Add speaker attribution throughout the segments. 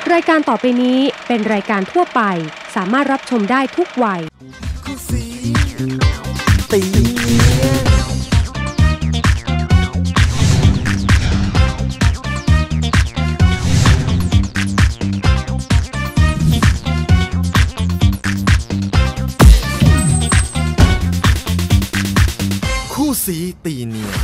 Speaker 1: รายการต่อไปนี้เป็นรายการทั่วไปสามารถรับชมได้ทุกวัยคู่สีตี
Speaker 2: คู่สีตีเนียน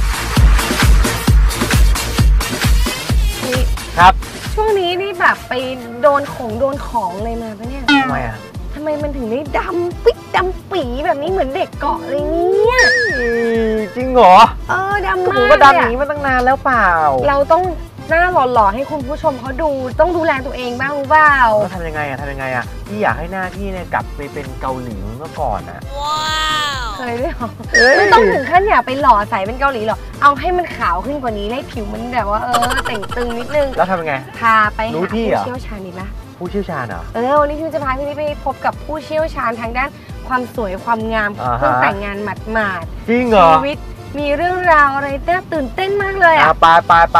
Speaker 3: ครับ
Speaker 4: ช่วงนี้นี่แบบไปโดนของเลยมาปะเนี่ย
Speaker 3: ทำไมอ่ะ
Speaker 4: ทำไมมันถึงได้ดำปิ๊กดำปีแบบนี้เหมือนเด็กเกาะเลยเนี่ย
Speaker 3: จริงเหรอ
Speaker 4: ดำมาก
Speaker 3: ผมก็ดำอย่างนี้มาตั้งนานแล้วเปล่า
Speaker 4: เราต้องหน้าหล่อๆให้คุณผู้ชมเขาดูต้องดูแลตัวเองบ้างรู้เปล่า
Speaker 3: ทำยังไงพี่อยากให้หน้าพี่เนี่ยกลับไปเป็นเกาหลีเมื่อก่อนอ่ะ
Speaker 4: ว้าวเคยด้วยหรอไม่ต้องถึงขั้นอยากไปหล่อใสเป็นเกาหลีหรอกเอาให้มันขาวขึ้นกว่านี้ให้ผิวมันแบบว่าแต่งตึงนิดนึง
Speaker 3: แล้วทำยังไง
Speaker 4: พาไปหาผู้เชี่ยวชาญดีไหม
Speaker 3: ผู้เชี่ยวชาญเหรอ
Speaker 4: วันนี้พี่จะพาพี่ไปพบกับผู้เชี่ยวชาญทางด้านความสวยความงามเพิ่งแต่งงานหมาด
Speaker 3: จริงเหรอ
Speaker 4: ชีวิตมีเรื่องราวอะไรน่าตื่นเต้นมากเลยอ่ะ
Speaker 3: ไป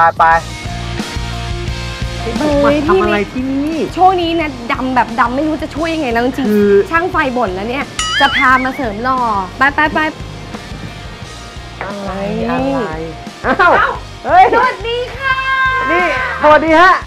Speaker 3: ทำอะไรที่นี่
Speaker 4: ช่วงนี้นะดำแบบดำไม่รู้จะช่วยยังไงแล้วจริงช่างไฟบ่นแล้วเนี่ยจะพามาเสริมหล่อไป
Speaker 3: อะไรอ้าวเฮ้ย
Speaker 4: สวัสดีค่ะ
Speaker 3: นี่สวัสดีฮะ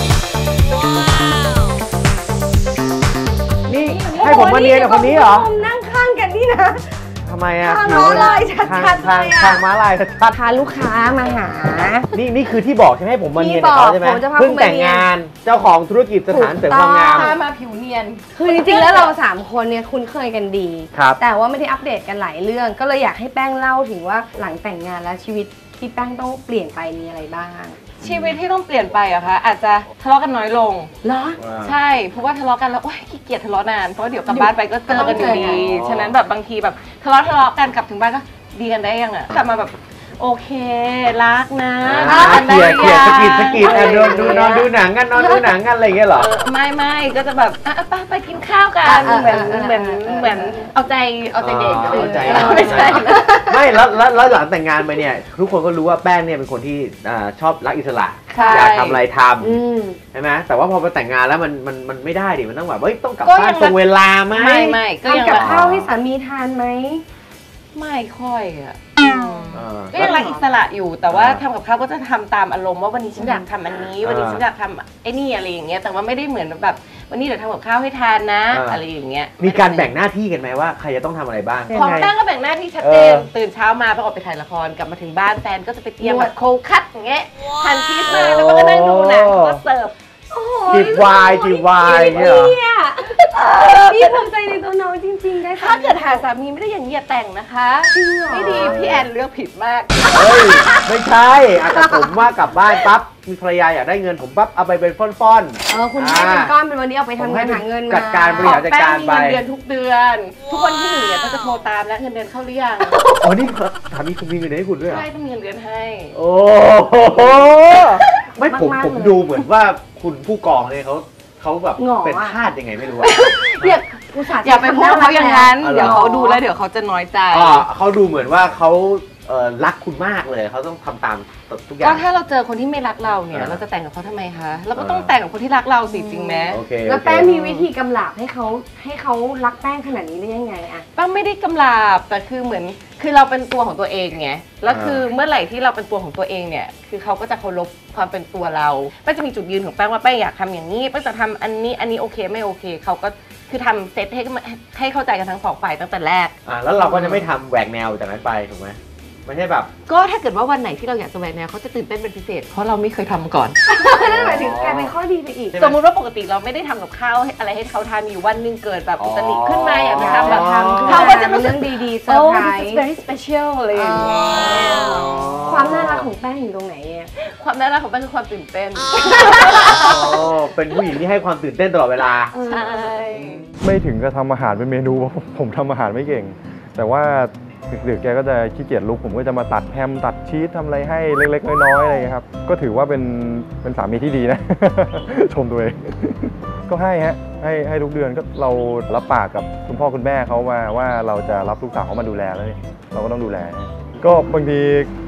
Speaker 3: นี่ให้ผมมาเนียนกับคนนี้เหรอ
Speaker 4: นั่งข้างกันนี่นะ
Speaker 3: ทำไมอ่ะ
Speaker 4: ทางม้าลายชัดๆเลยอ่ะ
Speaker 3: ทางม้าลายชัด
Speaker 4: พาลูกค้ามาหา
Speaker 3: นี่คือที่บอกใช่ไหมให้ผมมาเนียนกับเขาใช่ไหมเพิ่งแต่งงานเจ้าของธุรกิจสถานเสริมความงาม
Speaker 4: มาผิวเนียนคือจริงๆแล้วเรา3คนเนี่ยคุ้นเคยกันดีแต่ว่าไม่ได้อัปเดตกันหลายเรื่องก็เลยอยากให้แป้งเล่าถึงว่าหลังแต่งงานแล้วชีวิตที่แป้งต้องเปลี่ยนไปมีอะไรบ้าง
Speaker 5: ชีวิตที่ต้องเปลี่ยนไปอะคะอาจจะทะเลาะกันน้อยลง
Speaker 4: เหรอ
Speaker 5: ใช่เพราะว่าทะเลาะกันแล้วโอ๊ยขี้เกียจทะเลาะนานเพราะเดี๋ยวกลับบ้านไปก็เจอกันอยู่ดีฉะนั้นแบบบางทีแบบทะเลาะกันกลับถึงบ้านก็ดีกันได้ยังอะกลับมาแบบโอเครักนะ
Speaker 3: เกียร์สกิดนอนดูหนังกันอะไรอย่างเงี้ยเหรอ
Speaker 5: ไม่ก็จะแบบไปกินข้าวกันเหมือนเอาใจเด็ก
Speaker 3: ไม่ใช่ไม่แล้วหลังแต่งงานไปเนี่ยทุกคนก็รู้ว่าแป้งเนี่ยเป็นคนที่ชอบรักอิสระอยากทำอะไรทำใช่ไหมแต่ว่าพอไปแต่งงานแล้วมันไม่ได้ดิมันต้องแบบต้องกลับบ้านตรงเวลาไหม
Speaker 5: ไม่
Speaker 4: ก็ยังกับข้าวให้สามีทานไหม
Speaker 5: ไม่ค่อยอะก็ยังรักอิสระอยู่แต่ว่าทำกับข้าวก็จะทำตามอารมณ์ว่าวันนี้ฉันอยากทำอันนี้วันนี้ฉันอยากทำไอ้นี่อะไรอย่างเงี้ยแต่ว่าไม่ได้เหมือนแบบวันนี้เดี๋ยวทำกับข้าวให้ทานนะอะไรอย่างเงี้ย
Speaker 3: มีการแบ่งหน้าที่กันไหมว่าใครจะต้องทำอะไรบ้าง
Speaker 5: ของแป้งก็แบ่งหน้าที่ชัดเจนตื่นเช้ามาประกอบไปถ่ายละครกลับมาถึงบ้านแฟนก็จะไปเตรียมแบบโคคัตอย่างเงี้ยหั่นชีสมาแล้วก็นั่งดูหนังก็เสิร์ฟ
Speaker 3: จีบวาย
Speaker 4: เนี่ยพี่ภูมิใจในตัวน้องจริงๆได้
Speaker 5: ถ้าเกิดหาสามีไม่ได้อย่างนี้อย่าแต่งนะคะไม่ดีพี่แอนเลือกผิดมาก
Speaker 3: เฮ้ยไม่ใช่แต่ผมว่ากลับบ้านปั๊บมีภรรยาอยากได้เงินผมปั๊บเอาไปเป็นฟ่อน
Speaker 4: คุณให้เป็นก้อนเป็นวันนี้เอาไปทำงานหาเงิน
Speaker 3: จัดการบริหารจัดการไป
Speaker 5: เงินเดือนทุกเดือนทุกวันที่1เนี่ยก็จะโทรตามแล้วเงินเดือนเข้าหรือยัง
Speaker 3: อ๋อนี่สามีคุณมีเงินเดือนให้คุณด้วยเหรอ
Speaker 5: ใช่ต้องมีเงินเดือนให้
Speaker 3: โอ้โหไม่ผมดูเหมือนว่าคุณผู้กองเนี่ยเขาแบบเป็นทาสยังไงไม่รู้
Speaker 5: อย่าไปพูดเขาอย่างนั้นเดี๋ยวเขาดูแล้วเดี๋ยวเขาจะน้อยใจ
Speaker 3: เขาดูเหมือนว่าเขารักคุณมากเลยเขาต้องทำตามทุกอย่าง
Speaker 5: ก็ถ้าเราเจอคนที่ไม่รักเราเนี่ยเราจะแต่งกับเขาทำไมคะเราก็ต้องแต่งกับคนที่รักเราสิจริงไหม
Speaker 4: แล้วแป้งมีวิธีกำลาบให้เขารักแป้งขนาดนี้ได้ยังไงอะ
Speaker 5: แป้งไม่ได้กำลาบแต่คือเหมือนคือเราเป็นตัวของตัวเองไงแล้วคือเมื่อไหร่ที่เราเป็นตัวของตัวเองเนี่ยคือเขาก็จะเคารพความเป็นตัวเราแป้งจะมีจุดยืนของแป้งว่าแป้งอยากทำอย่างนี้แป้งจะทำอันนี้โอเคไม่โอเคเขาก็คือทำเซตให้เข้าใจกันทั้ง2 ฝ่ายตั้งแต่แรก
Speaker 3: แล้วเราก็จะไม่ทำแหวกแนวจากนั้นไปถูกไหมไม่ใช่แบบ
Speaker 5: ก็ถ้าเกิดว่าวันไหนที่เราอยากจะแหวกแนวเขาจะตื่นเต้นเป็นพิเศษเพราะเราไม่เคยทำมาก่อน
Speaker 4: นั่นหมายถึงกลายเป็นข้อดีไปอีก
Speaker 5: สมมุติว่าปกติเราไม่ได้ทำกับข้าวอะไรให้เขาทานอยู่วันนึงเกิดแบบอุตริขึ้นมาอยากจะทำแบบเขาก็จะรู้สึก
Speaker 4: ดีๆเซอร์ไพรส์
Speaker 5: very special อะไรอย่างเงี้ย
Speaker 4: ความน่ารักของแป้งอยู่ตรงไหน
Speaker 5: ความน่ารักของแป้งคือความตื่นเต้น
Speaker 3: เป็นผู้หญิงที่ให้ความตื่นเต้นตลอดเวลา
Speaker 5: ใช่
Speaker 6: ไม่ถึงกับทำอาหารเป็นเมนูผมทำอาหารไม่เก่งแต่ว่าดึกๆแกก็จะขี้เกียจลุกผมก็จะมาตัดแฮมตัดชีสทำอะไรให้เล็กๆน้อยๆอะไรอย่างเงี้ยครับก็ถือว่าเป็นสามีที่ดีนะ ชมตัวเองก็ให้ทุกเดือนก็เรารับปากกับคุณพ่อคุณแม่เขาว่าเราจะรับลูกสาวเขามาดูแลแล้วเราก็ต้องดูแลก็บางที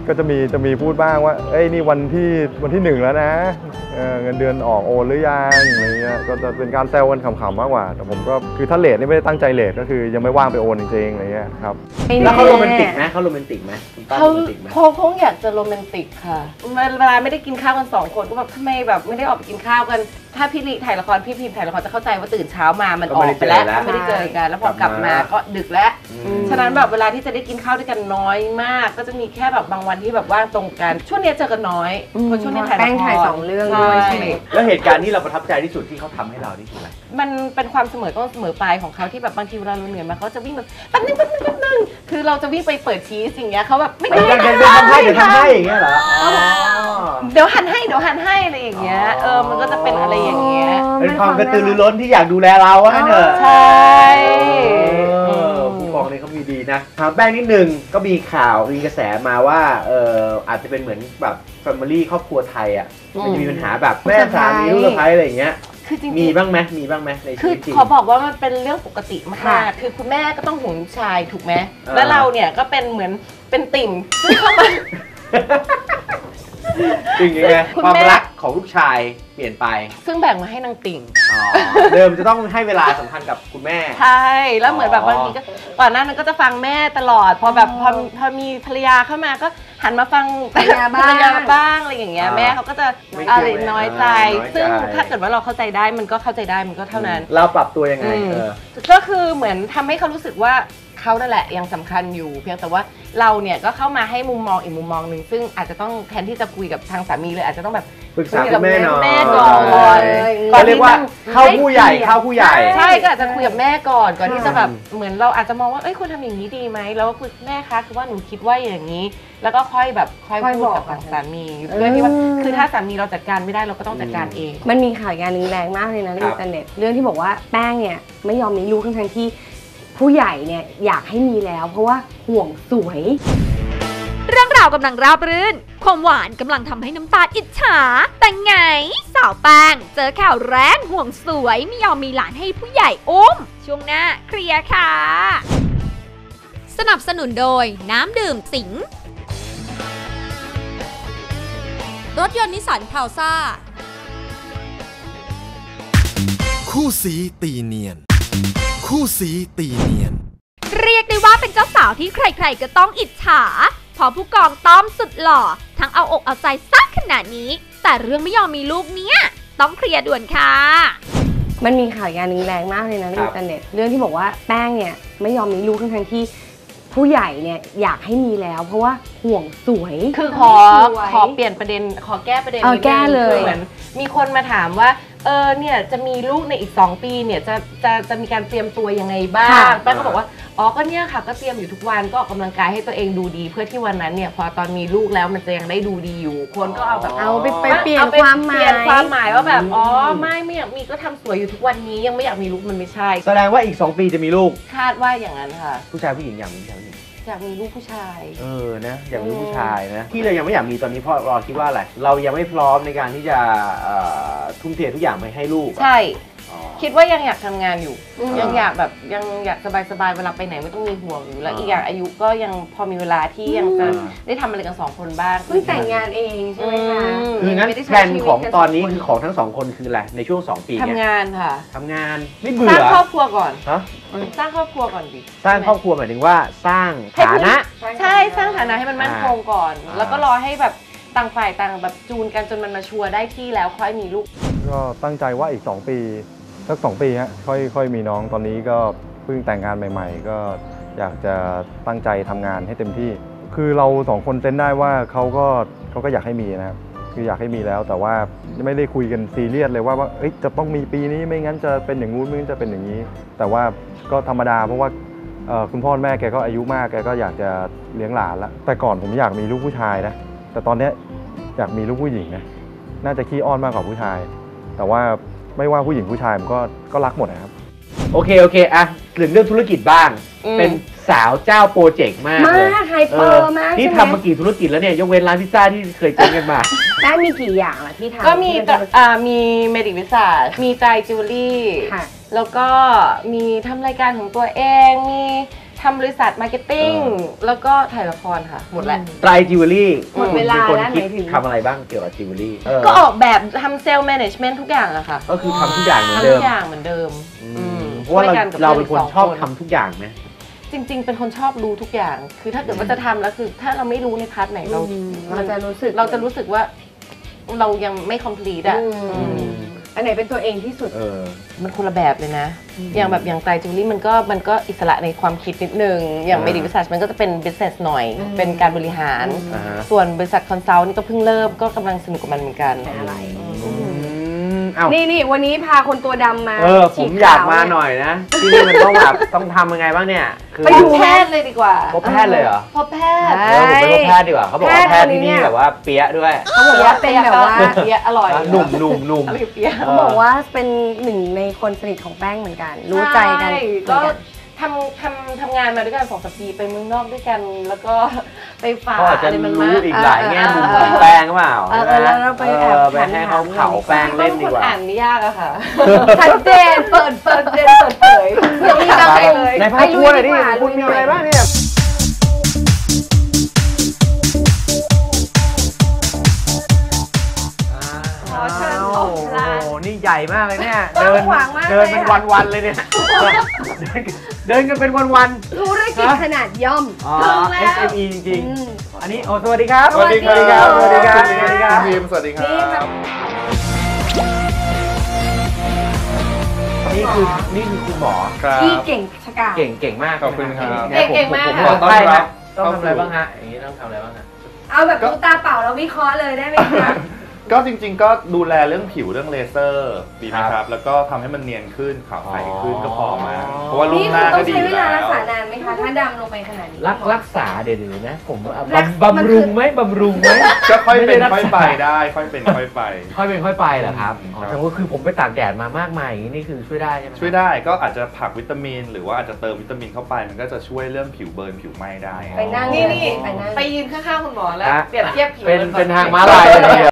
Speaker 6: ก็จะมีพูดบ้างว่าเอ้ยนี่วันที่1แล้วนะเงินเดือนออกโอนหรือยังอะไรเงี้ยก็จะเป็นการแซวกันขำๆมากกว่าแต่ผมก็คือถ้าเลทนี่ไม่ได้ตั้งใจเลทก็คือยังไม่ว่างไปโอนจริงๆอะไรเงี้ยครับ
Speaker 3: แล้วเขาโรแมนติกไหมเขาโรแมนติกไหม
Speaker 5: เขาคงอยากจะโรแมนติกค่ะเวลาไม่ได้กินข้าวกัน2 คนก็แบบทำไมแบบไม่ได้ออกไปกินข้าวกันถ้าพี่ลิถ่ายละครพี่พิมถ่ายละครจะเข้าใจว่าตื่นเช้ามามันออกไปแล้วไม่ได้เจอกันแล้วพอกลับมาก็ดึกแล้วฉะนั้นแบบเวลาที่จะได้กินข้าวด้วยกันน้อยมากก็จะมีแค่แบบบางวันที่แบบว่างตรงกันช่วงนี้เจอกันน้อยเพราะช่วงนี้ถ่ายละคร
Speaker 4: แป้งถ่าย2 เรื่องด้วยใช่ไหม
Speaker 3: แล้วเหตุการณ์ที่เราประทับใจที่สุดที่เขาทำให้เรานี่คืออะไร
Speaker 5: มันเป็นความเสมอต้นเสมอปลายของเขาที่แบบบางทีเวลาเราเหนื่อยมาเขาจะวิ่งแบบแป๊บนึงคือเราจะวิ่งไปเปิดชีสอย่างเงี้ยเขาแบบไม่ได้
Speaker 3: เดี๋ยวทำให้อย่างเงี้ยเหรอ
Speaker 5: เดี๋ยวหันให้อะไรอย่างเงี้ยมันก็จะเป็นอะไรอย่างเงี้ย
Speaker 3: เป็นความกระตือรือร้นที่อยากดูแลเราว่างั้นเถอะ
Speaker 5: ใช่
Speaker 3: ผู้กองนี่เขามีดีนะถามแป้งนิดนึงก็มีข่าวมีกระแสมาว่าอาจจะเป็นเหมือนแบบแฟมิลี่ครอบครัวไทยอ่ะมันจะมีปัญหาแบบแม่สามีลูกสะใภ้อะไรอย่างเงี้ยมีบ้างไหมในชีวิตจริง
Speaker 5: ขอบอกว่ามันเป็นเรื่องปกติมากคือคุณแม่ก็ต้องห่วงลูกชายถูกไหมแล้วเราเนี่ยก็เป็นเหมือนเป็นติ่งซึ่งเข้ามา
Speaker 3: จริงไงความรักของลูกชายเปลี่ยนไป
Speaker 5: ซึ่งแบ่งมาให้นางติ่ง
Speaker 3: เดิมจะต้องให้เวลาสำคัญกับคุณแม่
Speaker 5: ใช่แล้วเหมือนแบบบางทีก็ก่อนหน้านั้นก็จะฟังแม่ตลอดพอแบบพอมีภรรยาเข้ามาก็หันมาฟังภรรยาบ้างอะไรอย่างเงี้ยแม่เขาก็จะอะไรน้อยใจซึ่งถ้าเกิดว่าเราเข้าใจได้มันก็เข้าใจได้มันก็เท่านั้น
Speaker 3: เราปรับตัวยังไง
Speaker 5: ก็คือเหมือนทำให้เขารู้สึกว่าเขานั่นแหละยังสำคัญอยู่เพียงแต่ว่าเราเนี่ยก็เข้ามาให้มุมมองอีกมุมมองหนึ่งซึ่งอาจจะต้องแทนที่จะคุยกับทางสามีเลยอาจจะต้องแบบ
Speaker 3: ปรึกษากับแม่หน่อย
Speaker 5: แม่ก่อน
Speaker 3: เรียกว่าเข้าผู้ใหญ่
Speaker 5: ใช่ก็อาจจะคุยกับแม่ก่อนที่จะแบบเหมือนเราอาจจะมองว่าเอ้ยคุณทำอย่างนี้ดีไหมแล้วก็คุยแม่คะคือว่าหนูคิดว่าอย่างนี้แล้วก็ค่อยพูดกับสามีเพื่อที่ว่าคือถ้าสามีเราจัดการไม่ได้เราก็ต้องจัดการเอง
Speaker 4: มันมีข่าวงานนึงแรงมากเลยนะในอินเทอร์เน็ตเรื่องที่บอกว่าแป้งเนี่ยไม่ยอมมีลูกทั้งที่ผู้ใหญ่เนี่ยอยากให้มีแล้วเพราะว่าห่วงสวย
Speaker 2: เรื่องราวกำลังราบรื่นความหวานกำลังทำให้น้ำตาอิจฉาแต่ไงสาวแป้งเจอข่าวแรงห่วงสวยไม่ยอมมีหลานให้ผู้ใหญ่อุ้มช่วงหน้าเคลียร์ค่ะสนับสนุนโดยน้ำดื่มสิงรถยนต์นิสสันพาวซ่า
Speaker 7: คู่สีตีเนียนคู่สีตีเนียน
Speaker 2: เรียกได้ว่าเป็นเจ้าสาวที่ใครๆก็ต้องอิจฉาพอผู้กองต้อมสุดหล่อทั้งเอาอกเอาใจซักขนาดนี้แต่เรื่องไม่ยอมมีลูกเนี้ยต้องเคลียร์ด่วนค่ะ
Speaker 4: มันมีข่าวงานนึงแรงมากเลยนะในอินเทอร์เน็ตเรื่องที่บอกว่าแป้งเนี่ยไม่ยอมมีลูกทั้งที่ผู้ใหญ่เนี่ยอยากให้มีแล้วเพราะว่าห่วงสวย
Speaker 5: คือขอเปลี่ยนประเด็นขอแก้ประเด็น
Speaker 4: แก้เลย
Speaker 5: เหมือนมีคนมาถามว่าเนี่ยจะมีลูกในอีก2 ปีเนี่ยจะมีการเตรียมตัวยังไงบ้างแป้งก็บอกว่าก็เนี่ยค่ะก็เตรียมอยู่ทุกวันก็ออกกำลังกายให้ตัวเองดูดีเพื่อที่วันนั้นเนี่ยพอตอนมีลูกแล้วมันจะยังได้ดูดีอยู่คนก็เอาแบบ
Speaker 4: เอาไปเปลี่ยนความห
Speaker 5: มายว่าแบบไม่อยากมีก็ทำสวยอยู่ทุกวันนี้ยังไม่อยากมีลูกมันไม่ใช่
Speaker 3: แสดงว่าอีก2 ปีจะมีลูก
Speaker 5: คาดว่าอย่างนั้นค่ะ
Speaker 3: ผู้ชายผู้หญิงอย่างนี้
Speaker 5: อยากมีลูกผู้ชาย
Speaker 3: นะอยากมีลูกผู้ชายนะที่เรายังไม่อยากมีตอนนี้เพราะเราคิดว่าอะไรเรายังไม่พร้อมในการที่จะทุ่มเททุกอย่างไปให้ลูก
Speaker 5: ใช่คิดว่ายังอยากทำงานอยู่ยังอยากแบบยังอยากสบายๆเวลาไปไหนไม่ต้องมีห่วงอยู่แล้วอีกอย่างอายุก็ยังพอมีเวลาที่ยังจะได้ทำอะไรกัน2 คนบ้าง
Speaker 4: เพิ่งแต่งงานเองใช่ไหมคะ
Speaker 3: คืองั้นแผนของตอนนี้คือของทั้ง2 คนคืออะไรในช่วง2 ปี
Speaker 5: ทำงานค่ะ
Speaker 3: ทำงานไม่เบื่อ
Speaker 5: สร้างครอบครัวก่อนสร้างครอบครัวก่อนดิ
Speaker 3: สร้างครอบครัวหมายถึงว่าสร้างฐานะ
Speaker 5: ใช่สร้างฐานะให้มันมั่นคงก่อนแล้วก็รอให้แบบต่างฝ่ายต่างแบบจูนกันจนมันมาชัวร์ได้ที่แล้วค่อยมีลูก
Speaker 6: ก็ตั้งใจว่าอีก2 ปีสัก2 ปีฮะค่อยมีน้องตอนนี้ก็เพิ่งแต่งงานใหม่ๆก็อยากจะตั้งใจทำงานให้เต็มที่คือเรา2 คนเซนได้ว่าเขาก็อยากให้มีนะครับคืออยากให้มีแล้วแต่ว่าไม่ได้คุยกันซีเรียสเลยว่าจะต้องมีปีนี้ไม่งั้นจะเป็นอย่างงู้นไม่งั้นจะเป็นอย่างนี้แต่ว่าก็ธรรมดาเพราะว่าคุณพ่อแม่แกก็อายุมากแกก็อยากจะเลี้ยงหลานแล้วแต่ก่อนผมอยากมีลูกผู้ชายนะแต่ตอนนี้อยากมีลูกผู้หญิงนะน่าจะขี้อ้อนมากกว่าผู้ชายแต่ว่าไม่ว่าผู้หญิงผู้ชายมันก็รักหมดนะครับ
Speaker 3: โอเคอ่ะถึงเรื่องธุรกิจบ้างเป็นสาวเจ้าโปรเจกต์มากเลย
Speaker 4: ไฮเปอร์มาก
Speaker 3: ที่ทำมากี่ธุรกิจแล้วเนี่ยยกเว้นร้านพิซซ่าที่เคยเจอกันมา
Speaker 4: ได้มีกี่อย่างล่ะที่ทำ
Speaker 5: ก็มีเมดิวิสามีใจจิวเวลรี่แล้วก็มีทำรายการของตัวเองมีททำบริษัทมาร์เก็ตติ้งแล้วก็ถ่ายละครค่ะหมดแล้ว
Speaker 3: ไตรจิวเวลรี่
Speaker 4: หมดเวลาแล้วไหนถึง
Speaker 3: ทำอะไรบ้างเกี่ยวกับจิวเวลรี่
Speaker 5: ก็ออกแบบทำเซลล์แมネจเมนต์ทุกอย่างอะค่ะ
Speaker 3: ก็คือทำทุกอย่างเหมือนเดิม
Speaker 5: ทำทุกอย่างเหมือนเดิม
Speaker 3: เพราะว่าเราเป็นคนชอบทำทุกอย่างไหม
Speaker 5: จริงๆเป็นคนชอบรู้ทุกอย่างคือถ้าเกิดว่าจะทำแล้วคือถ้าเราไม่รู้ในพาร์ทไหนเราจะรู้สึกว่าเรายังไม่ complete อะ
Speaker 4: อันไหนเป็นตัวเองที่สุด
Speaker 5: มันคนละแบบเลยนะอย่างไตรจิวเวลรี่มันก็อิสระในความคิดนิดนึงอย่างMedi Visageมันก็จะเป็น business หน่อยเป็นการบริหารส่วนบริษัทคอนซัลท์นี่ก็เพิ่งเริ่มก็กำลังสนุกกับมันเหมือนกัน
Speaker 4: อะไรนี่วันนี้พาคนตัวดำมา
Speaker 3: ผมอยากมาหน่อยนะที่นี่มันต้องแบบต้องทำยังไงบ้างเนี่ย
Speaker 5: ไปดูแพทย์เลยดีกว่า
Speaker 3: พบแพทย์เลยเหรอ
Speaker 5: พบแพทย์
Speaker 3: ผมไปพบแพทย์ดีกว่าเขาบอกว่าแพทย์ที่นี่แบบว่าเปี๊ยะด้วย
Speaker 4: เขาบอกว่าเป็นแบบว่า
Speaker 5: เปี๊ยะอร่อย
Speaker 3: หนุ่ม
Speaker 4: เขาบอกว่าเป็นหนึ่งในคนสนิทของแป้งเหมือนกันรู้ใจกัน
Speaker 5: ก็ทำงานมาด้วยกัน2-3 ปีไปเมืองนอกด้วยกันแล้วก็ไปฝาก
Speaker 3: อะไรมันรู้อีกหลายแง่มุมของแป้งเปล่า
Speaker 4: แล้วเราไปแอบ
Speaker 3: ให้เขาเผาแป้งเล่นดีกว่า
Speaker 5: อ่านไม่ยากอะค่ะ
Speaker 4: ชัดเจนเปิดเผย
Speaker 5: ยังมีอะไรเลย
Speaker 3: ในภาพทัวร์เลยดิคุณมีอะไรบ้างเนี่ยนี่ใหญ่มากเลยเนี่ยเดินเป็นวันๆเลยเนี่ยเดินกันเป็นวัน
Speaker 4: ๆธุรกิจขนาดย่อม
Speaker 3: SME จริงๆอันนี้สวัสดีครับ
Speaker 6: สวัสดีครับ
Speaker 3: สวัสดีครับ
Speaker 6: ทีมสวัสดีครับ
Speaker 3: นี่คือคุณหมอ
Speaker 4: ที่เก่งชะกาจ
Speaker 3: เก่งมาก
Speaker 6: ขอบคุณครับ
Speaker 5: เก่งมาก
Speaker 3: ผมต้อนรับต้องทำอะไรบ้างฮะอย่างนี้ต้องทำอะไรบ้างฮะ
Speaker 4: เอาแบบดูตาเปล่าแล้ววิเคราะห์เลยได้ไหมคะ
Speaker 6: ก็จริงๆก็ดูแลเรื่องผิวเรื่องเลเซอร์ดีไหมครับแล้วก็ทำให้มันเนียนขึ้นขาวใสขึ้นก็พอมาเพราะว่ารูปหน้าก็ดีแล้วนี่
Speaker 4: ต้องใช้เวลารักษานานไหมคะถ้าดำลงไปขนาดนี้
Speaker 3: รักษาเดี๋ยวนะผมบำรุงไหม
Speaker 6: ก็ค่อยเป็นค่อยไปได้ค่อยเป็นค่อยไป
Speaker 3: เหรอครับแต่ว่าคือผมไปตากแดดมามากมายอย่างนี้นี่คือช่วยได้ใช่ไหม
Speaker 6: ช่วยได้ก็อาจจะผักวิตามินหรือว่าอาจจะเติมวิตามินเข้าไปมันก็จะช่วยเรื่องผิวเบิร์นผิวไหม้ได้
Speaker 4: ไปนั่ง
Speaker 5: นี่ไปยืนข้างๆคุณหมอแล้วเปรียบเทียบผิว
Speaker 3: เป็นทางม้าลายเลย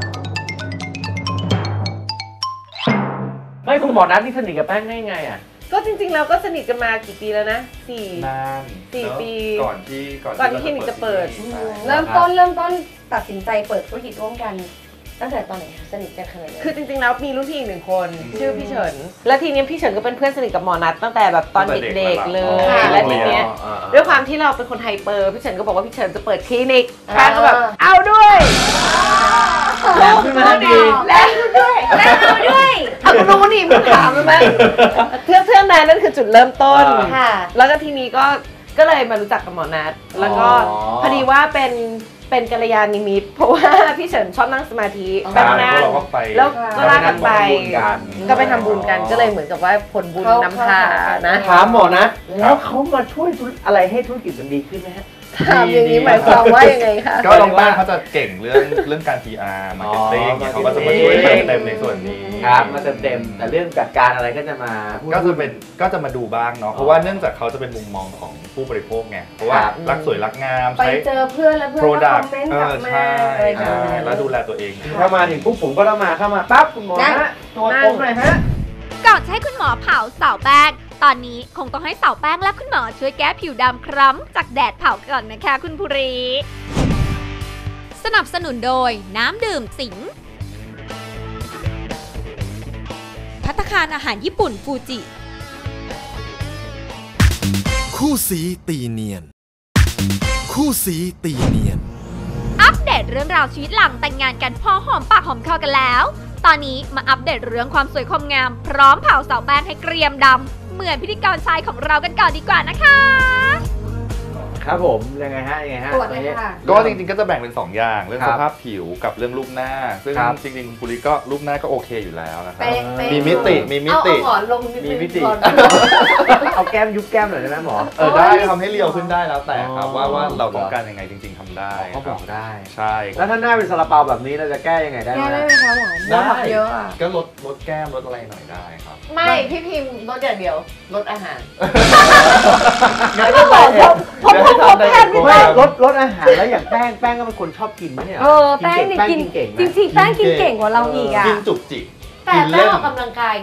Speaker 3: ไม่คุณหมอนัทนี่สนิทกับแป้งได้ไงอ่ะ
Speaker 5: ก็จริงๆเราก็สนิทกันมากี่ปีแล้วนะ4 ปี
Speaker 6: ก่อนที่
Speaker 5: คลินิกจะเปิด
Speaker 4: เริ่มต้นตัดสินใจเปิดธุรกิจร่วมกันตั้งแต่ตอนไหนสนิทกันขนาดไหน
Speaker 5: คือจริงๆแล้วมีรุ่นพี่อีก1 คนชื่อพี่เฉินและทีนี้พี่เฉินก็เป็นเพื่อนสนิทกับหมอนัทตั้งแต่แบบตอนเด็กๆเลยและทีนี้ด้วยความที่เราเป็นคนไฮเปอร์พี่เฉินก็บอกว่าพี่เฉินจะเปิดคลินิกแป้งก็แบบเอาด้วย
Speaker 3: แล้วขึ้นมาดี
Speaker 5: แล้วด้วยเอาคุณรู้นี่มึงถามไหมเพื่อนนั้นนั่นคือจุดเริ่มต้นแล้วก็ทีนี้ก็เลยมารู้จักกับหมอนัทแล้วก็พอดีว่าเป็นกัลยาณมิตรเพราะว่าพี่เฉินชอบนั่งสมาธิไปนั่งแล้วก็ลากกันไปก็ไปทำบุญกันก็เลยเหมือนกับว่าผลบุญนำพานะ
Speaker 3: ถามหมอนะแล้วเขามาช่วยอะไรให้ธุรกิจมันดีขึ้นไหมฮะ
Speaker 5: ถามอย่างนี้หมายความว่ายังไงคะ
Speaker 6: ก็น้องแป้งเขาจะเก่งเรื่องการ PR marketing เขาก็จะมาช่วยเต็มในส่วนนี้
Speaker 3: ครับมาเต็มแต่เรื่องจัดการอะไรก็จะ
Speaker 6: มาดูบ้างเนาะเพราะว่าเนื่องจากเขาจะเป็นมุมมองของผู้บริโภคไงเพราะว่ารักสวยรักงาม
Speaker 4: ไปเจอเพื่อนแล้วเพื่อนก็คอมเมนต์กลับมา
Speaker 6: แล้วดูแลตัวเอง
Speaker 3: ถ้ามาถึงปุ๊บผมก็ต้องเข้ามาปั๊บคุณหมอฮะตัวตรงหน่อยฮะ
Speaker 2: ก่อนให้คุณหมอเผาสาวแป้งตอนนี้คงต้องให้สาวแป้งและคุณหมอช่วยแก้ผิวดำคล้ำจากแดดเผาก่อนนะคะคุณภูริสนับสนุนโดยน้ำดื่มสิงภัตตาคารอาหารญี่ปุ่นฟูจิ
Speaker 7: คู่สีตีเนียนคู่สีตีเนียน
Speaker 2: อัปเดตเรื่องราวชีวิตหลังแต่งงานกันพอหอมปากหอมคอกันแล้วตอนนี้มาอัปเดตเรื่องความสวยความงามพร้อมเผาสาวแป้งให้เกรียมดำเหมือนพิธีกรชายของเรากันก่อนดีกว่านะคะ
Speaker 3: ครับผมยังไงฮะ
Speaker 4: ตรวจเลยค่ะ
Speaker 6: ก็จริงๆก็จะแบ่งเป็น2อย่างเรื่องสภาพผิวกับเรื่องรูปหน้าซึ่งจริงๆคุณปุริก็รูปหน้าก็โอเคอยู่แล้วนะครับมีมิติ
Speaker 5: เอาหมอนลง
Speaker 3: มีมิติเอาแก้มยุบแก้มหน่อยได้ไหมหมอ
Speaker 6: ได้ทำให้เรียวขึ้นได้แล้วแต่ครับว่าเราต้องการยังไงจริงๆทำได้
Speaker 3: เขาบอกได้
Speaker 6: ใช่
Speaker 3: แล้วถ้าหน้าเป็นซาลาเปาแบบนี้เราจะแก้ยังไงได้ไหม
Speaker 4: แก้ได้ไหมคะหมอได้เยอะอ่ะ
Speaker 6: ก็ลดแก้มลดอะไรหน่อยได้ครับ
Speaker 5: ไม่พี่พิมพ์ลดอย่างเดียวลดอาหาร
Speaker 3: ไม่บอกผมแพทย์ไม่ลดอาหารแล้วอย่างแป้งก็เป็นคนชอบกินไหมเนี่ย
Speaker 4: แป้งกินเก่งจริงๆแป้งกินเก่งกว่าเราอีกอ่ะ
Speaker 6: กินจุกจิก
Speaker 5: แต่แป้งออกกำลังกายไง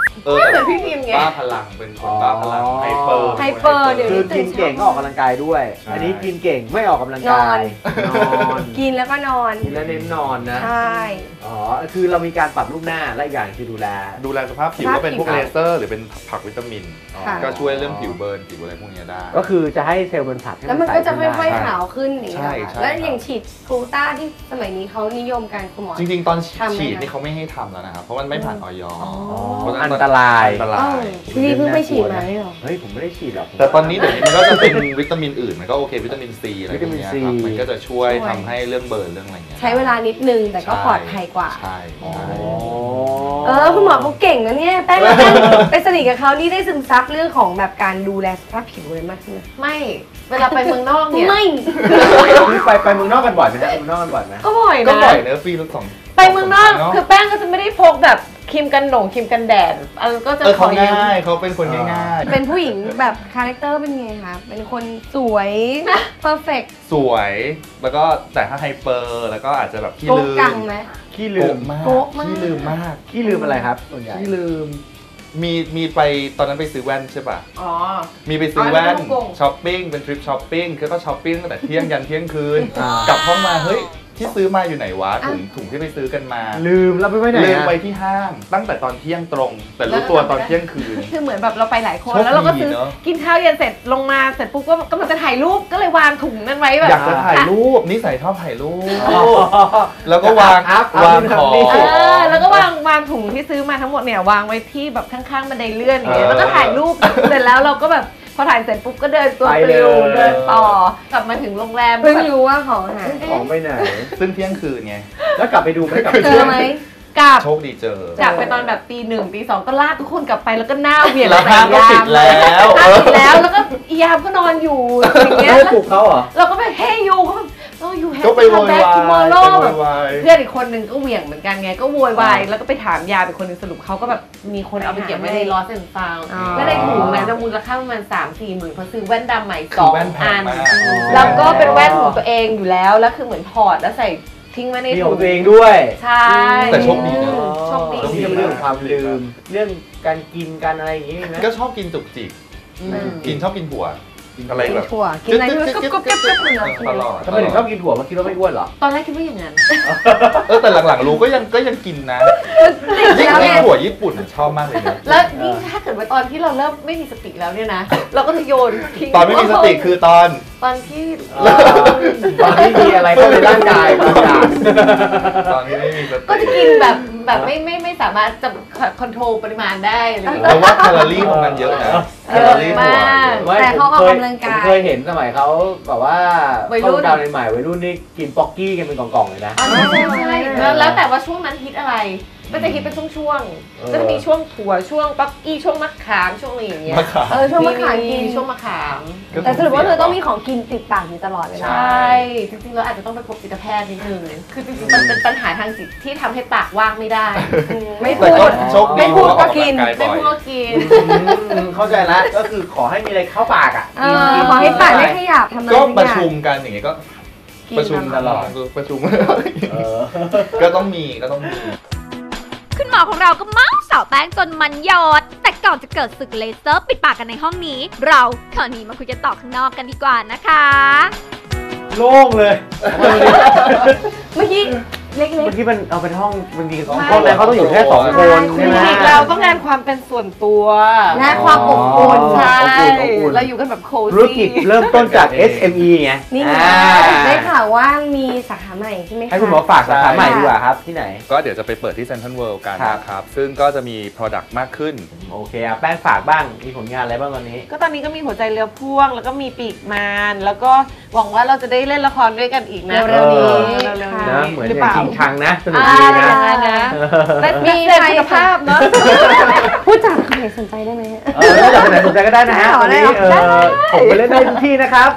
Speaker 5: เหมือนพี่พิมไง
Speaker 8: บ้าพลังเป็นคนบ้าพลังไฮเปอร์
Speaker 4: เดี๋ยว
Speaker 3: คื
Speaker 4: นี้
Speaker 3: อกินเก่งก็ออกกำลังกายด้วย อันนี้กินเก่งไม่ออกกำลังกายนอน
Speaker 4: กินแล้วก็นอน
Speaker 3: กินแล้วเน้นนอนนะ
Speaker 4: ใช่
Speaker 3: อ๋อคือเรามีการปรับรูปหน้าและอีกอย่างคือดูแล
Speaker 8: สภาพผิวก็เป็นพวกเลเซอร์หรือเป็นผักวิตามินก็ช่วยเรื่องผิวเบิร์นผิวอะไรพวกนี้ได้
Speaker 3: ก็คือจะให้เซลล์มันผัด
Speaker 4: แล้วมันก็จะค่อยๆขาวขึ้นอย่างนี้
Speaker 8: ใช่
Speaker 4: แล้วอย่างฉีดกลูต้าที่สมัยนี้เขานิยมกันคุณหมอ
Speaker 8: จริงๆตอนฉีดนี่เขาไม่ให้ทำแล้วนะครับเพราะมันไม่ผ่านออย
Speaker 3: อันตราย
Speaker 4: พี่เพิ่งไปฉีดมาเหรอ
Speaker 3: เฮ้ยผมไม่ได้ฉีดหรอก
Speaker 8: แต่ตอนนี้เดี๋ยวนี้มันก็จะเป็นวิตามินอื่นมันก็โอเควิตามินซีอะไรอย่างเงี้ยครับมันก็จะช่วยทำให้เรื่องเบิร์นเรื่องอะไรเงี้ย
Speaker 4: ใช้เวลานิดนึงแต่ก็ปลอดภัยกว่า
Speaker 8: ใช่
Speaker 4: คุณหมอเขาเก่งนะเนี่ยแป้งไปสนิทกับเขานี่ได้ซึมซับเรื่องของแบบการดูแลสภาพผิวเลยมากขึ้น
Speaker 5: ไม่เวลาไปเมืองนอกเนี่ย
Speaker 4: ไม่
Speaker 3: ไปเมืองนอกกันบ่อยไหมฮะเมืองนอกกันบ่อยไหม
Speaker 5: ก็บ่อย
Speaker 8: เนอะปีละ2
Speaker 5: ไปเมืองนอกคือแป้งก็จะไม่ได้พกแบบครีมกันครีมกันแดดก็จะ
Speaker 8: เขาง่ายเขาเป็นคนง่าย
Speaker 4: เป็นผู้หญิงแบบคาแรคเตอร์เป็นไงคะเป็นคนสวยเพอร์เฟกต์
Speaker 8: สวยแล้วก็แต่ถ้าไฮเปอร์แล้วก็อาจจะแบบขี้ลืม
Speaker 3: ขี้ลืม
Speaker 8: มากขี้ลืมมาก
Speaker 3: ขี้ลืมอะไรครับส่วนใหญ่
Speaker 8: ขี้ลืมมีไปตอนนั้นไปซื้อแว่นใช่ป่ะมีไปซื้อแว่นช้อปปิ้งเป็นทริปช้อปปิ้งคือก็ช้อปปิ้งตั้งแต่เที่ยงยันเที่ยงคืนกลับห้องมาเฮ้ยที่ซื้อมาอยู่ไหนวะถุงที่ไปซื้อกันมา
Speaker 3: ลืมแล้วไปไว้ไหน
Speaker 8: ลืมไปที่ห้างตั้งแต่ตอนเที่ยงตรงแต่รู้ตัวตอนเที่ยงคืน
Speaker 5: คือเหมือนแบบเราไปหลายคนแล้วเราก็ซื้อกินข้าวเย็นเสร็จลงมาเสร็จปุ๊บก็กำลังจะถ่ายรูปก็เลยวางถุงนั้นไว้แบบ
Speaker 8: อยากจะถ่ายรูปนิสัยชอบถ่ายรูปแล้วก็วางของ
Speaker 5: แล้วก็วางถุงที่ซื้อมาทั้งหมดเนี่ยวางไว้ที่แบบข้างๆบันไดเลื่อนอย่างเงี้ยแล้วก็ถ่ายรูปเสร็จแล้วเราก็แบบพอถ่ายเสร็จปุ๊บก็เดินตัวปลิวเดินต่อกลับมาถึงโรงแรม
Speaker 4: เพิ่งรู้ว่าของหาย
Speaker 3: ของไปไหน
Speaker 8: ซึ่งเที่ยงคืนไง
Speaker 3: แล้วกลับไปดูไหม
Speaker 4: เจอไหม
Speaker 5: กลับ
Speaker 8: โชคดีเจอ
Speaker 5: จากไปตอนแบบตี 1 ตี 2ก็ลากทุกคนกลับไปแล้วก็หน้าเหวี่ยง
Speaker 8: ใส่ยามปิดแล้ว
Speaker 5: แล้วก็ยามก็นอนอยู่อย่างเงี้ย
Speaker 3: ปลุกเขาเหรอ
Speaker 5: เราก็ไปเฮ้ยยูอยู่แฮป
Speaker 8: ปี้
Speaker 5: คัมแบ็กทูมอร์โลแบบเพื่อนอีกคนนึงก็เหวี่ยงเหมือนกันไงก็โวยวายแล้วก็ไปถามยาเป็นคนนึงสรุปเขาก็แบบมีคนเอาไปเก็บไว้ในลอสแอนด์ฟาวด์แล้วในถุงนั้นจะมูลค่าประมาณ 3-4 หมื่นเพราะซื้อแว่นดำใหม่2 อันแล้วก็เป็นแว่นของตัวเองอยู่แล้วคือเหมือนถอดแล้วใส่ทิ้งไว้ในถุง
Speaker 3: ตัวเองด้วย
Speaker 5: ใช่
Speaker 8: แต่โชคดีนะ
Speaker 5: โชคดี
Speaker 3: เรื่องความลืมเรื่องการกินการอะไรอย่างงี้นะ
Speaker 8: ก็ชอบกินจุกจิกชอบกินถั่วอะไรแบบ
Speaker 4: ถั่วกินอะไรก็กุ๊บ
Speaker 8: ตลอด
Speaker 3: ทำไมถึงชอบกินถั่วมาคิดว่าไม่อ้วนเหรอ
Speaker 5: ตอนแรกคิดว่าอย่างนั้น
Speaker 8: แต่หลังๆรู้ก็ยังกินนะยิ่งถั่วญี่ปุ่นชอบมากเลยนะ
Speaker 5: แล้วยิ่งถ้าเกิดว่าตอนที่เราเริ่มไม่มีสติแล้วเนี่ยนะเราก็จะโยนทิ้ง
Speaker 8: ตอนไม่มีสติคือตอน
Speaker 5: ที่
Speaker 3: มีอะไรเข้าในร่างกายบางอย่าง
Speaker 8: ตอนที่ไม่มีสติ
Speaker 5: ก็จะกินแบบไม่สามารถจะคอนโทรลปริมาณได้อะไรอย่างเงี้ย
Speaker 8: แต่ว่าแคลอรี่ของมันเยอะนะแคลอรี่ม
Speaker 4: ากแต่เขาออกกำลังกาย
Speaker 3: เคยเห็นสมัยเขาแบบว่าเข้าดาวใหม่วัยรุ่นนี่กินป๊อกกี้กันเป็นกล่องๆเลยนะ
Speaker 5: ใช่แล้วแต่ว่าช่วงนั้นฮิตอะไรก็จะฮิตเป็นช่วงๆก็จะมีช่วงถั่วช่วงป๊อกกี้ช่วงมะขามช่วงอะไรอย่างเงี้ย
Speaker 4: ช่วงมะขามกิน
Speaker 5: ช่วงมะขาม
Speaker 4: แต่สรุปว่าเธอต้องมีของกินติดปากอยู่ตลอดเวลา
Speaker 5: ใช่จริงๆเราอาจจะต้องไปพบจิตแพทย์นิดนึงคือจริงๆมันเป็นปัญหาทางจิตที่ทำให้ปากว่างไม่ได้
Speaker 4: ไม่พูดก็กิน
Speaker 5: ไม่พูดก็กิน
Speaker 3: เข้าใจแล้วก็คือขอให้มีอะไรเข้าปากอ่ะ
Speaker 4: ขอให้ปากไม่ขยับทำอะไร
Speaker 8: ก็ประชุมกันอย่างเงี้ยก็ประชุมตลอดประชุมก็ต้องมี
Speaker 2: คุณหมอของเราก็เมาสาวแป้งจนมันยอดแต่ก่อนจะเกิดศึกเลเซอร์ปิดปากกันในห้องนี้เราขอหนีมาคุยกันต่อข้างนอกกันดีกว่านะคะ
Speaker 3: โล่งเลย
Speaker 4: เมื่อกี้เล็กๆ
Speaker 3: เมื่อกี้มันเอาเป็นห้องบางทีห้องนั้นเขาต้องอยู่แค่2 คนใช่ไหม
Speaker 5: เราต้องการความเป็นส่วนตัว
Speaker 4: และความอบอุ่น
Speaker 5: ใช่เราอยู่กันแบบโคซี่
Speaker 3: ธุรกิจเริ่มต้นจาก SME ไง
Speaker 4: นี่ได้ข่าวว่ามีสาขาใหม่ใช่ไหมคะ
Speaker 3: ให้คุณหมอฝากสาขาใหม่ดีกว่าครับที่ไหน
Speaker 8: ก็เดี๋ยวจะไปเปิดที่เซ็นทรัลเวิลด์กันนะครับซึ่งก็จะมี Product มากขึ้น
Speaker 3: โอเคแป้งฝากบ้างมีผลงานอะไรบ้างตอนนี้
Speaker 5: ก็ตอนนี้ก็มีหัวใจเรือพ่วงแล้วก็มีปีกมารแล้วก็หวังว่าเราจะได้เล่นละครด้วยกันอีกนะ
Speaker 4: เร็วๆนี้
Speaker 3: นะเหมือนอย่างจริงชังนะสนุกดีนะ
Speaker 5: มีคุณภาพเนาะ
Speaker 4: ผู้จัดคนไหนสนใจได้ไหม
Speaker 3: ผู้จัดคนไหนสนใจก็ได้นะฮะตอนนี้ผมไปเล่นได้ทุกที่นะครับ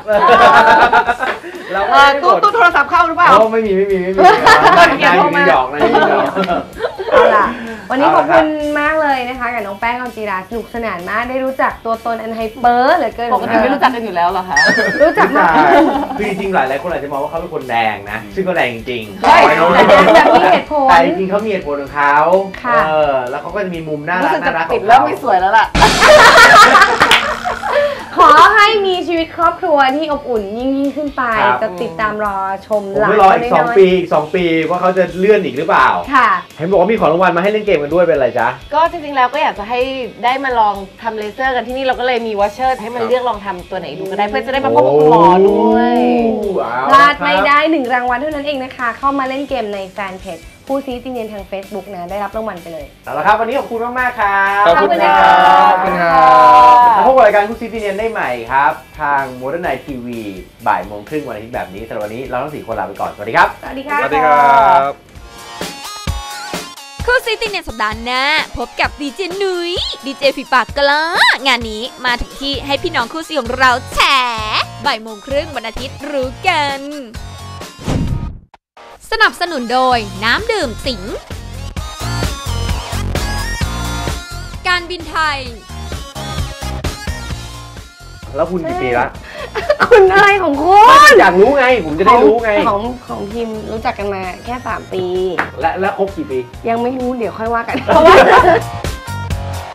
Speaker 5: ตู้โทรศัพท์เข้าหรือเปล่า
Speaker 3: ไม่มีงานมีหยอกนะ
Speaker 4: เอาล่ะวันนี้ขอบคุณมากเลยนะคะกับน้องแป้งออนจีราสนุกสนานมากได้รู้จักตัวตนอันไฮเปอร์เหลือเกิน
Speaker 5: ปกติไม่รู้จักกันอยู่แล้วเหรอคะ
Speaker 4: รู้จักมาก
Speaker 3: คือจริงๆหลายคนอาจจะมองว่าเขาเป็นคนแดงนะซึ่งก็แดงจริงๆ
Speaker 4: ใช่แบบมีเหตุผล
Speaker 3: แต่จริงๆเขามีเหตุผลของเขา
Speaker 4: ค่ะ
Speaker 3: แล้วเขาก็จะมีมุมน่ารั
Speaker 5: รู้
Speaker 3: ก
Speaker 5: สึก
Speaker 3: น่า
Speaker 5: จะ
Speaker 3: รักข
Speaker 5: ติ
Speaker 3: อ
Speaker 5: ด
Speaker 3: ง
Speaker 5: เริ่ม
Speaker 3: เขา
Speaker 5: ไม่สวยแล้วล่ะ
Speaker 4: ขอให้มีชีวิตครอบครัวที่อบอุ่นยิ่งขึ้นไป จะติดตามรอชม
Speaker 3: ผม
Speaker 4: หลาน
Speaker 3: ไม่รออีก2 ปีว่าเขาจะเลื่อนอีกหรือเปล่า
Speaker 4: ค่ะ
Speaker 3: เห็นบอกว่ามีของรางวัลมาให้เล่นเกมกันด้วยเป็นอะไรจ๊ะ
Speaker 5: ก็จริงๆแล้วก็อยากจะให้ได้มาลองทำเลเซอร์กันที่นี่เราก็เลยมีวอชเชอร์ให้มันเลือกลองทำตัวไหนดูก็ได้เพื่อจะได้มาพบกับคุณหมอด้วย
Speaker 4: พลาดไม่ได้1รางวัลเท่านั้นเองนะคะ เข้ามาเล่นเกมในแฟนเพจคู่ซีตีเนียนทาง Facebook นะได้รับรางวัลไปเลย
Speaker 3: เอาละครับวันนี้ขอบคุณมากๆครับ
Speaker 8: ขอบคุณครับ
Speaker 3: ขอบคุณครับแล้วพบกับรายการคู่ซีตีเนียนได้ใหม่ครับ ทาง Modern Night TV บ่ายโมงครึ่งวันอาทิตย์แบบนี้สำหรับวันนี้เราทั้ง4คนลาไปก่อนสวัสดีครับ
Speaker 4: สวัสดีค่ะ
Speaker 8: สวัสดีครับ
Speaker 2: คู่ซีตีเนียนสัปดาห์หน้าพบกับดีเจนุ้ยดีเจฝีปากกล้างานนี้มาถึงที่ให้พี่น้องคู่ซีของเราแฉบ่ายโมงครึ่งวันอาทิตย์รู้กันสนับสนุนโดยน้ำดื่มสิงการบินไทย
Speaker 3: แล้วคุณกี่ปีละ
Speaker 4: คุณอะไรของคุณ
Speaker 3: อยากรู้ไงผมจะได้รู้ไง
Speaker 4: ของพิมรู้จักกันมาแค่3 ปี
Speaker 3: และครบกี่ปี
Speaker 4: ยังไม่รู้เดี๋ยวค่อยว่ากันเพราะว่า